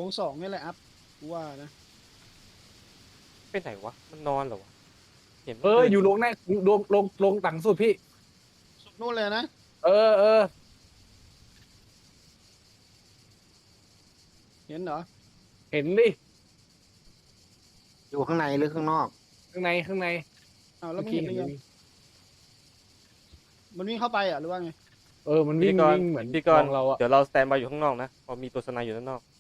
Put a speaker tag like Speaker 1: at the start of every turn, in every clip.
Speaker 1: 2 นี่แหละอัพกูว่านะ
Speaker 2: ไปไหนวะมันนอนเหรอวะเห็นมัน
Speaker 3: อยู่ลงแน่ลงต่างสุดพี่
Speaker 1: สุดนู่นเลยนะ
Speaker 3: เออ
Speaker 1: เห็นเหรอ
Speaker 3: เห็นดิ
Speaker 4: อยู่ข้างในหรือข้างนอก
Speaker 3: ข้างใน
Speaker 1: อ้าวแล้วมึงเห็นได้ไงมันวิ่งเข้าไปอ่ะหรือว่าไง
Speaker 3: มันวิ่งเหมือน
Speaker 2: พี่กร
Speaker 3: มองเราอะ
Speaker 2: เดี๋ยวเราสแตนบายอยู่ข้างนอกนะพอมีตัวสไนอยู่ด้านนอก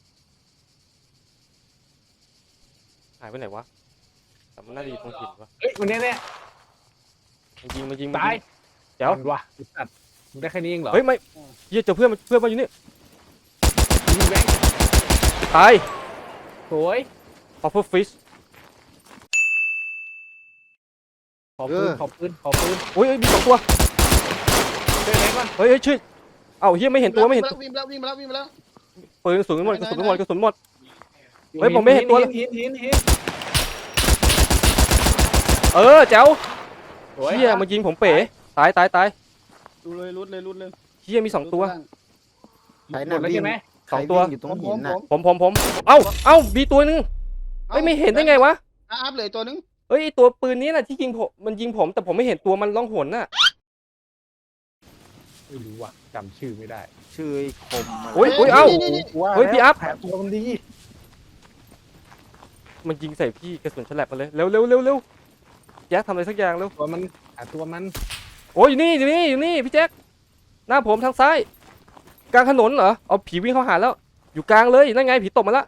Speaker 2: หายไปไหนวะแต่มันน่าจะอยู่ตรงหินวะ
Speaker 3: เฮ้ยมันแน่
Speaker 2: มันยิง
Speaker 3: ตาย
Speaker 2: เดี๋ยว
Speaker 3: ว่ะสัตว์มึงได้แค่นี้เองเหรอ
Speaker 2: เฮ้ยไม่เหี้ยเจอเพื่อนมาอยู่นี่
Speaker 3: ยิงแบงค์
Speaker 2: ตาย
Speaker 3: สวย
Speaker 2: Puffer Fish
Speaker 3: ขอปืน
Speaker 2: โอ้ยมี2 ตัว
Speaker 3: ช่วยไหนก่อน
Speaker 2: เฮ้ยช่วยเอ้าเฮียไม่เห็นตัวไม่เห็น
Speaker 1: วิ่งไปแล้ว
Speaker 2: ปืนกระสุนหมดกระสุนหมด เฮ้ยผมไม่เห็นตัวเลย
Speaker 3: หิน
Speaker 2: แจ๋ว
Speaker 3: สวย
Speaker 2: เฮียมันยิงผมเป๋ตาย
Speaker 1: ดูเลยรุดเลย
Speaker 2: เฮียมี2 ตัว
Speaker 4: ใคร
Speaker 3: หม
Speaker 4: น่ะ
Speaker 3: ดแล้ว
Speaker 4: วิ่
Speaker 3: ใช่
Speaker 4: ง
Speaker 3: ไหม
Speaker 4: ใคร
Speaker 2: 2 ตัว
Speaker 4: วิ่งอยู่ตรงหินน่ะ
Speaker 2: ผมเอ้ามีตัวนึงเฮ้ยไม่เห็นได้ไงวะ
Speaker 1: อัพเลยตัวนึง
Speaker 2: เฮ้ยตัวปืนนี้น่ะที่ยิงผมมันยิงผมแต่ผมไม่เห็นตัวมันล่องหนน่ะ
Speaker 3: ไม่รู้ว่ะจำชื่อไม่ได้
Speaker 4: ชื่อไอ้คมะไร
Speaker 2: โอ้ยเอ้า
Speaker 3: ว่า
Speaker 2: เฮ้ยพี่อัพ
Speaker 3: แผลตัวมันดี
Speaker 2: มันยิงใส่พี่กระสุนฉลับมาเลยเร็วแจ็คทำอะไรสักอย่างเร็ว
Speaker 3: ตัวมัน
Speaker 2: โอ้ยอยู่นี่พี่แจ็คหน้าผมทางซ้ายกลางถนนเหรอเอาผีวิ่งเข้าหาแล้วอยู่กลางเลยนั่นไงผีตบมาละ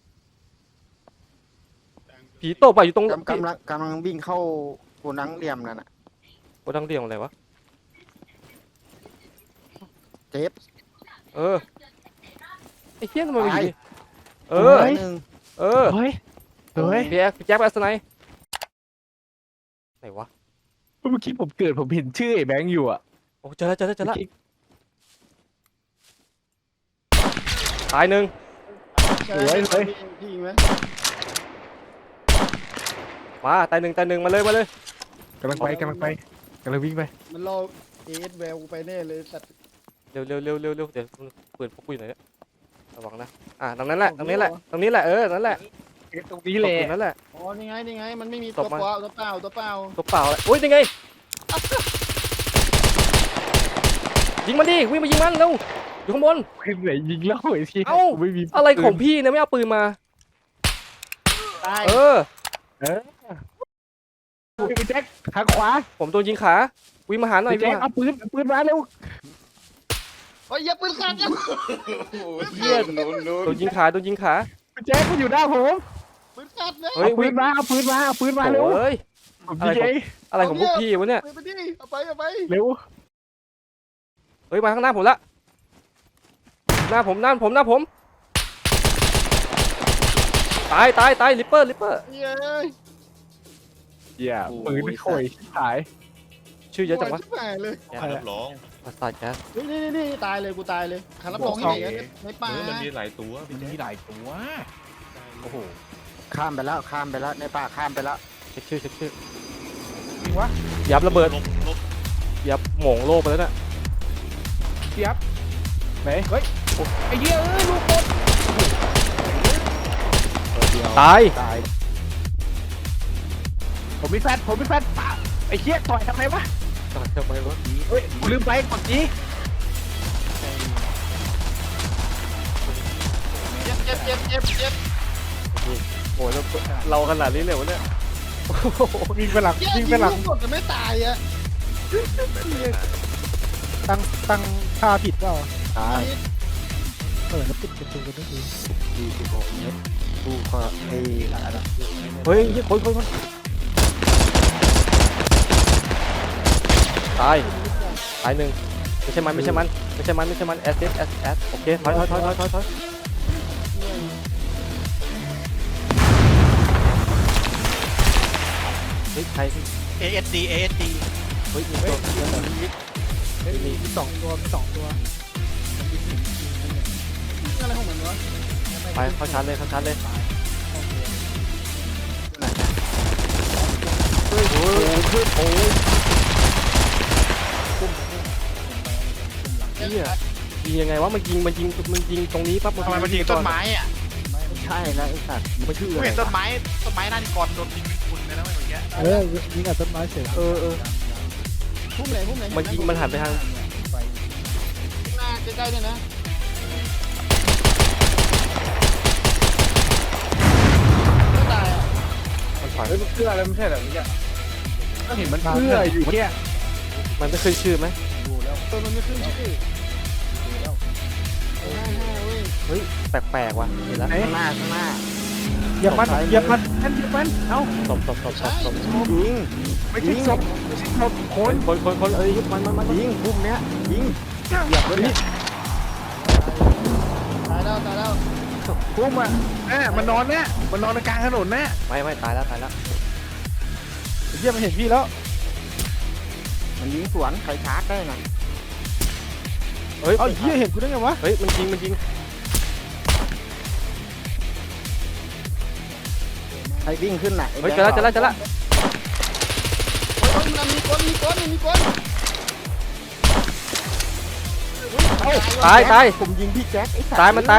Speaker 2: ผีตบไปอยู่ตรง
Speaker 4: กำลังวิ่งเข้าโกดังเหลี่ยมนั่นน่ะ
Speaker 2: โอ้ดังเดียวอะไรวะ
Speaker 4: เจ็บ
Speaker 2: ไอ้เฮี้ยทำไมมันอยู่นี่
Speaker 4: ตายหนึ่ง
Speaker 3: เฮ้ย
Speaker 2: พี่แจ็คไปอัสไนไหนวะ
Speaker 3: เมื่อกี้ผมเห็นชื่อไอ้แบงค์อยู่อ่ะ
Speaker 2: โอ้เจอแล้วตายหนึ่ง
Speaker 1: พี่ยิงไหม
Speaker 2: มาตายหนึ่งมาเลย
Speaker 3: กำลังวิ่งไป
Speaker 1: มันรอเอสแววกูไปแน่เลยสัตว์
Speaker 2: เร็วเดี๋ยวปืนพกกูอยู่ไหนเนี่ยระวังนะตรงนี้แหละนั่นแหละ
Speaker 3: ตรงนี้
Speaker 2: ต
Speaker 3: แห
Speaker 2: ร
Speaker 3: ละ
Speaker 2: งนั้นแหละ
Speaker 1: อ๋อนี่ไงมันไม่มี
Speaker 2: ต
Speaker 1: ตัว
Speaker 2: บมัน
Speaker 1: เปล่า
Speaker 2: ตัวเปล่าเลยโอ้ยยังไงยิงมันดิวิ่งมายิงมันเร็วอยู่ข้างบน
Speaker 3: เฮ้ยไหนยิงแล้วไอ้ที่
Speaker 2: เอ้า
Speaker 3: ไม่มี
Speaker 2: อะไรของพี่เนี่ยไม่เอาปืนมา
Speaker 1: ตาย
Speaker 3: พี่แจ็คทางขวา
Speaker 2: ผมโดนยิงขาวิ่งมาหาหน่อย
Speaker 3: พี่แจ็คเอาปืนมาเร็ว
Speaker 1: โอ้ยอย่าปืนขาดยัง
Speaker 2: เฮียโดนยิงขา
Speaker 3: พี่แจ็คมันอยู่หน้าผม
Speaker 1: ปืนขาดเลย
Speaker 2: เฮ้ย
Speaker 3: เอาปืนมาเร็ว
Speaker 2: เฮ้ย
Speaker 3: ผม
Speaker 2: อะไร
Speaker 3: ยิง
Speaker 2: ของ
Speaker 3: เอง
Speaker 2: อะไรของพวกพี่วะเนี่ย
Speaker 1: ไปดิเอาไป
Speaker 3: เร็ว
Speaker 2: เฮ้ยมาข้างหน้าผมละหน้าผมตายลิปเปอร์
Speaker 1: เย้ย
Speaker 3: อย่าปืนโอยหาย
Speaker 2: ชื่อเยอะจังวะ
Speaker 1: ชิบหายเลย
Speaker 5: ขอรับรอง
Speaker 2: ประสาทแก๊ส
Speaker 1: นี่ตายเลยกูตายเลยขารับรองที่ไหนในป่า
Speaker 5: มันมีหลายตัวพี่แจ๊ค
Speaker 3: มีหลายตัวโอ้โห
Speaker 4: ข้ามไปแล้วในป่าข้ามไปแล้ว
Speaker 2: เช็คชื่อ
Speaker 3: วะ
Speaker 2: ยับระเบิด
Speaker 5: ลบ
Speaker 2: ยับโหม่งโลกไปแล้วน่ะ
Speaker 3: พี่อัพไหนเฮ้ยไอ้เหี้ยลูกบอล
Speaker 2: ตาย
Speaker 3: ผมมีแฟนไอ้เหี้ยต่อยทำไมวะ
Speaker 2: ทำไมวะ
Speaker 3: เฮ้ยกูลืมไปกดนี้
Speaker 1: เจ็บ
Speaker 2: โอ้ยเราขนาดนี้เลยวะเนี่ย
Speaker 3: วิ่งไปหลัง
Speaker 1: ยิงลูกกดจะไม่ตายอ่ะ
Speaker 6: ตั้งค่าผิดเปล่า
Speaker 4: ตาย
Speaker 6: แล้วปิดประตูกันด้วย
Speaker 4: 26 เมตรดูก็ไอ้
Speaker 2: เฮ้ยคนตายหนึ่งไม่ใช่มันแอสโอเคถอยเฮ้ยใคร
Speaker 6: ASD
Speaker 2: เฮ้ยมีตัว
Speaker 6: มีสองตัว
Speaker 1: อะไรของมันวะ
Speaker 2: ไปเข้าชาร์จเลยโอ้ยเฮียยิงยังไงวะมันยิงตรงนี้ปั๊บ
Speaker 6: ทำไมมันยิงต้นไม้อ่ะ
Speaker 4: ใช่แล้วไอ้สัตว์มึงชื่อ
Speaker 6: กู
Speaker 4: อะไร
Speaker 6: เห็นต้น
Speaker 4: วะ
Speaker 6: ไม้หน้านิกรโดนยิงเป็นคุณเลยนะเมื่อกี้ยิงกับต้นไม้เสร็จ
Speaker 2: เออ
Speaker 1: พุ่มไหนพุ่มไหน
Speaker 2: มันยิงมันหันไปทาง
Speaker 1: หน้าใกล้ๆเนี่ยนะไม่ตายอ่ะ
Speaker 2: มันถอย
Speaker 3: เฮ้ยมันเพื่ออะไรไม่ใช่เหรอเมื่อกี้ก็เห็นมันเพื่ออยู่แค่
Speaker 2: มันไม่ขึ้นชื่อไหม
Speaker 1: ตัวมันไม่ขึ้นชื่อห้าเว้ย
Speaker 2: เฮ้ยแปลกๆว่ะเห็นแล้ว
Speaker 4: ข้างหน้าข้างหน้า
Speaker 6: เหยียบมันเหยียบมันนั่นเหยียบมันเอ้า
Speaker 2: ตบ
Speaker 1: ใช่
Speaker 4: ยิง
Speaker 3: ไม่ใช่ศพไม่ใช่ศพคน
Speaker 2: คนเอ้ยมัน
Speaker 4: ยิงพุ่มเนี้ยยิง
Speaker 3: เหยียบเลย
Speaker 1: ตายแล้ว
Speaker 3: พุ่มอ่ะมันนอนเนี่ยมันนอนในกลางถนนเนี่ย
Speaker 2: ไม่ตายแล้ว
Speaker 6: เหยียบมันเห็นพี่แล้ว
Speaker 4: มันยิงสวนใครชาร์จได้ไง
Speaker 2: เฮ้ย
Speaker 6: เอ้าเหี้ยเห็นกูได้ไงวะ
Speaker 2: เฮ้ยมันยิง
Speaker 4: ใครวิ่งขึ้นน่ะ
Speaker 2: เฮ้ยเจอละ
Speaker 1: โอ้ยมันมีคน
Speaker 2: ตาย
Speaker 4: ผมยิงพี่แจ็คไอ้สัตว์
Speaker 2: ตายมันตาย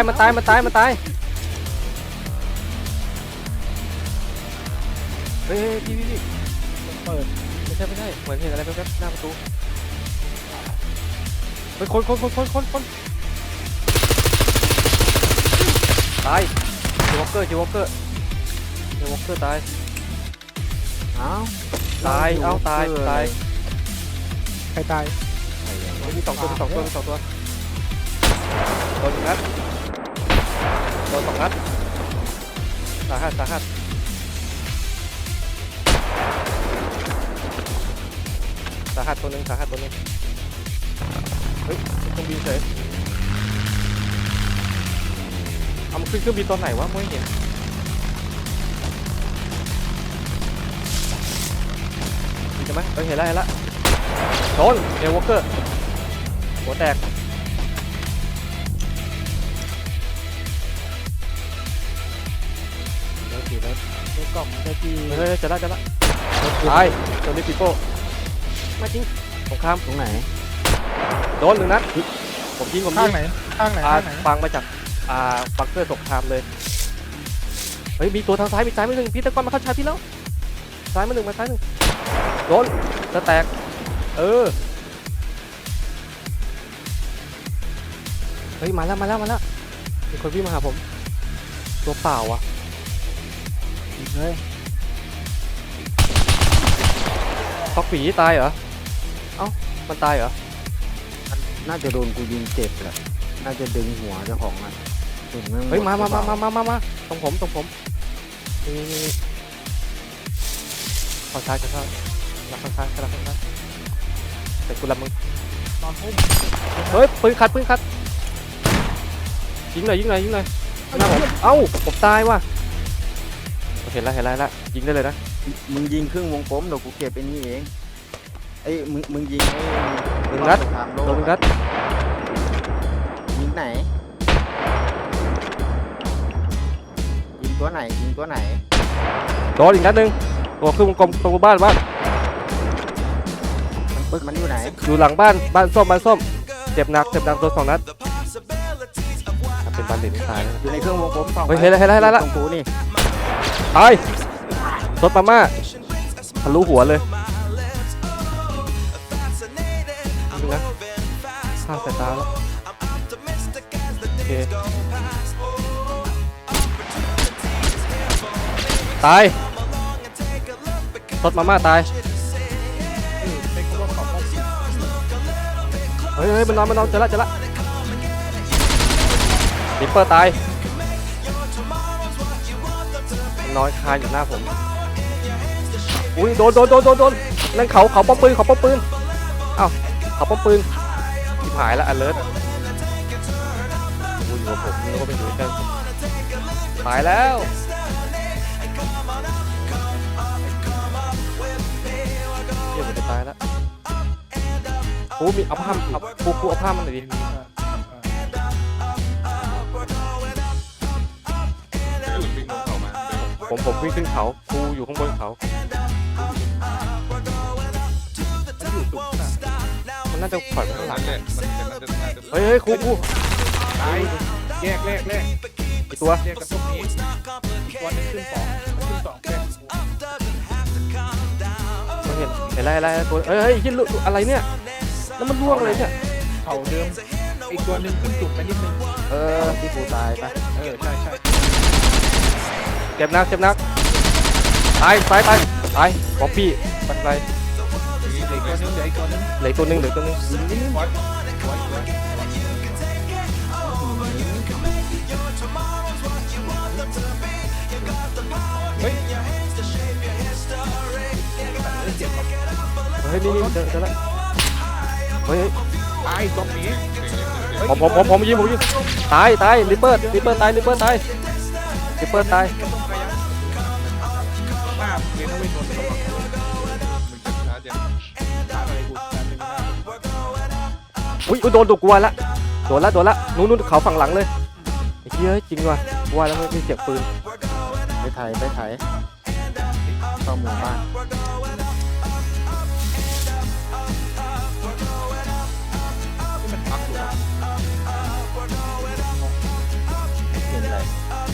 Speaker 2: เฮ้ยพี่
Speaker 6: เปิด
Speaker 2: ไม่ใช่เหมือนเห็นอะไรแป๊บๆหน้าประตูเฮ้ยคนตายเจวอลเกอร์ตาย
Speaker 4: เอ้า
Speaker 2: ตาย
Speaker 6: ใครตาย
Speaker 2: มีสองตัวโดน1 นัดโดน2 นัดสาหัสตัวหนึ่งเฮ้ยเครื่องบินเฉยเอามันขึ้นเครื่องบินตอนไหนวะไม่เห็นใช่ไหมเห็นแล้วโดนเอวอลเกอร์หัวแตกแล้ว
Speaker 6: ในกล่องในที่
Speaker 2: เฮ้ยจะละตายตัวนี้ปีโป้ไม่จริงสงคราม
Speaker 4: ตรงไหน
Speaker 2: โดน1 นัดผมยิง
Speaker 6: ข้างไหนข้างไหน
Speaker 2: ฟังมาจากบังเกอร์สงครามเลยเฮ้ยมีตัวทางซ้ายมีซ้ายมา1พี่ตะกอนมาเข้าชายพี่แล้วซ้ายมา1มาซ้าย1โดนจะแตกเฮ้ยมาแล้วมีคนวิ่งมาหาผมตัวเปล่าอ่ะ
Speaker 6: ยิงเลย
Speaker 2: ฟอกผีตายเหรอเอ้ามันตายเหรอ
Speaker 4: น่าจะโดนกูยิงเจ็บแหละน่าจะดึงหัวเจ้าของมันถึงแง
Speaker 2: เฮ้ยมา
Speaker 4: หดหรือเปล่
Speaker 2: ตรงผมนี่ขอซ้ายรับข้างซ้ายแต่กูรับมึง
Speaker 6: นอนพุ่ม
Speaker 2: เฮ้ยปืนขัดยิงหน่อยหน้าผมเอ้าผมตายว่ะเห็นแล้วยิงได้เลยนะ
Speaker 4: มึงยิงครึ่งวงกลมเดี๋ยวกูเก็บไอ้นี่เองไอ้มึงยิงไอ้
Speaker 2: 1 นัด
Speaker 4: สงครามโลก
Speaker 2: โดน 1 นัด
Speaker 4: ยิงไหนยิงตัวไหน
Speaker 2: โดนอีกนัดหนึ่งตัวขึ้นวงกลมตรงบ้าน
Speaker 4: มันอยู่ไหน
Speaker 2: อยู่หลังบ้านส้มเจ็บหนักโดน2 นัดเป็นบันเด็ดตายแล้ว
Speaker 4: อยู่ในเครื่องวงกลมสอง
Speaker 2: เฮ้ยเห็นแล้ว
Speaker 4: ตรงกูนี่
Speaker 2: ตายซดมาม่าทะลุหัวเลยดูนะข้ามสายตาแล้วโอเคตายซดมาม่าตายเฮ้ยมันนอนเจอละลิปเปอร์ตายนอนคาอยู่หน้าผมอุ้ยโดนนั่นเขาป้อมปืนอ้าวเขาป้อมปืนที่หายแล้วalertอยู่กับผมแล้วก็ไปอยู่กันตายแล้วเดี๋ยวผมจะตายแล้วกูมีเอาผ้ากูเอาผ้ามันหน่อยดิผมวิ่งขึ้นเขากูอยู่ข้างบนเขามันน่าจะปล่อยไปข้างหลังเฮ้ยครู
Speaker 3: ตายแยก
Speaker 2: กี่ตัว
Speaker 3: เรียกกันพวกนี้ตัวนึงขึ้นสองแค่
Speaker 2: ไม่เห็นอะไรตัวเฮ้ยยี่อะไรเนี่ยแล้วมันร่วงเลยเนี่ย
Speaker 3: เขาเดิมอีกตัวนึงขึ้นสูงไปนิดนึง
Speaker 4: ที่กูตายปะ
Speaker 3: ใช่
Speaker 2: เจ็บนักตายป๊อปปี้ปันไป
Speaker 3: เหลืออีกตัวนึง
Speaker 2: เหลือตัวหนึง
Speaker 3: ไว้เฮ้ยเจ็บ
Speaker 2: เฮ้ยนี่เจอแล้วเฮ้ย
Speaker 3: ตายตรงนี้
Speaker 2: ผมยิงตายลิปเปอร์ตาย
Speaker 3: หน้าเรียนเอาไว้โดนระวัง
Speaker 6: ช้าเจ็บ
Speaker 3: ตายอะไรกูตายเป็นหน้า
Speaker 2: อุ้ยโดนตัวกลัวละโดนละนู้นเขาฝั่งหลังเลยไอ้เหี้ยจริงว่ะกลัวแล้วไม่เสียงปืน
Speaker 4: ไปไถเข้าหมู่บ้าน
Speaker 3: ที่มันพักอยู่
Speaker 4: เห็นอะไร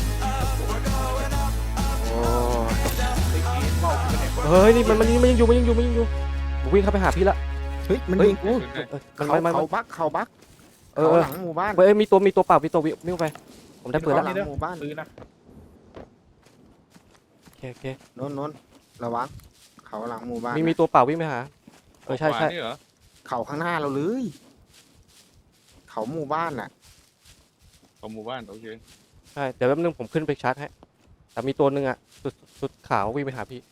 Speaker 4: โอ้
Speaker 3: เมาขึ้นไปไหน
Speaker 2: เฮ้ยนี่มันยังอยู่ผมวิ่งเข้าไปหาพี่ละ
Speaker 4: เฮ้ยมันยิงกู เขาบักเขาหลังหมู่บ้าน
Speaker 2: เฮ้ยมีตัวเปล่าวิ่งไปผมได้ปืนแล้ว
Speaker 4: หมู่บ้าน
Speaker 3: ปืนนะ
Speaker 2: โอเค
Speaker 4: โน้นระวังเขาหลังหมู่บ้าน
Speaker 2: มีตัวเปล่าวิ่งไปหาใช่
Speaker 6: ขวานี่เหรอ
Speaker 4: เขาข้างหน้าเราเลยเขาหมู่บ้านน่ะ
Speaker 6: ของหมู่บ้านโอเค
Speaker 2: ใช่เดี๋ยวแป๊บนึงผมขึ้นไปชาร์จให้แต่มีตัวหนึ่งอ่ะสุดขาววิ่งไปหาพี่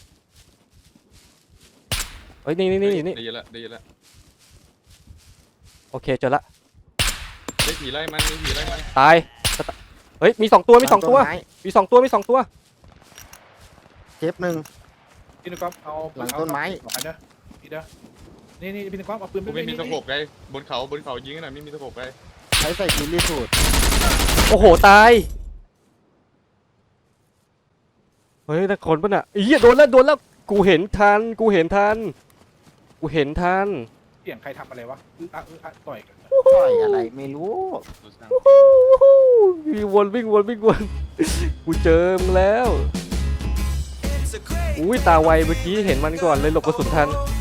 Speaker 2: เฮ้ยนี่
Speaker 6: ได้ยินละ
Speaker 2: โอเคเจอละ
Speaker 6: ได้ผีไล่มันมีผีไล่มัน
Speaker 2: ตายเฮ้ยมี2 ตัวมี2 ตัว
Speaker 4: ต้นไม้
Speaker 2: มี2 ตัว
Speaker 4: เจ็บหนึ่ง
Speaker 3: พี่นกก๊อฟเอา
Speaker 4: หลังต้นไม้
Speaker 3: เด้อพี่เด้อนี่พี่นกก๊อฟเอาปืน
Speaker 6: กูไม่มีสะโพกไกลบนเขายิงกันหน่อยไม่มีสะโพกไกล
Speaker 4: ใช้ใส่กินรีสูตร
Speaker 2: โอ้โหตายเฮ้ยแต่คนปะน่ะอีโดนแล้วกูเห็นทัน
Speaker 3: เสียงใครทำอะไรวะต่อยกัน
Speaker 4: ต่อยอะไรไม่รู้
Speaker 2: วิ่งวนกูเจอมงแล้วอุ้ยตาไวเมื่อกี้เห็นมันก่อนเลยหลบกระสุนทัน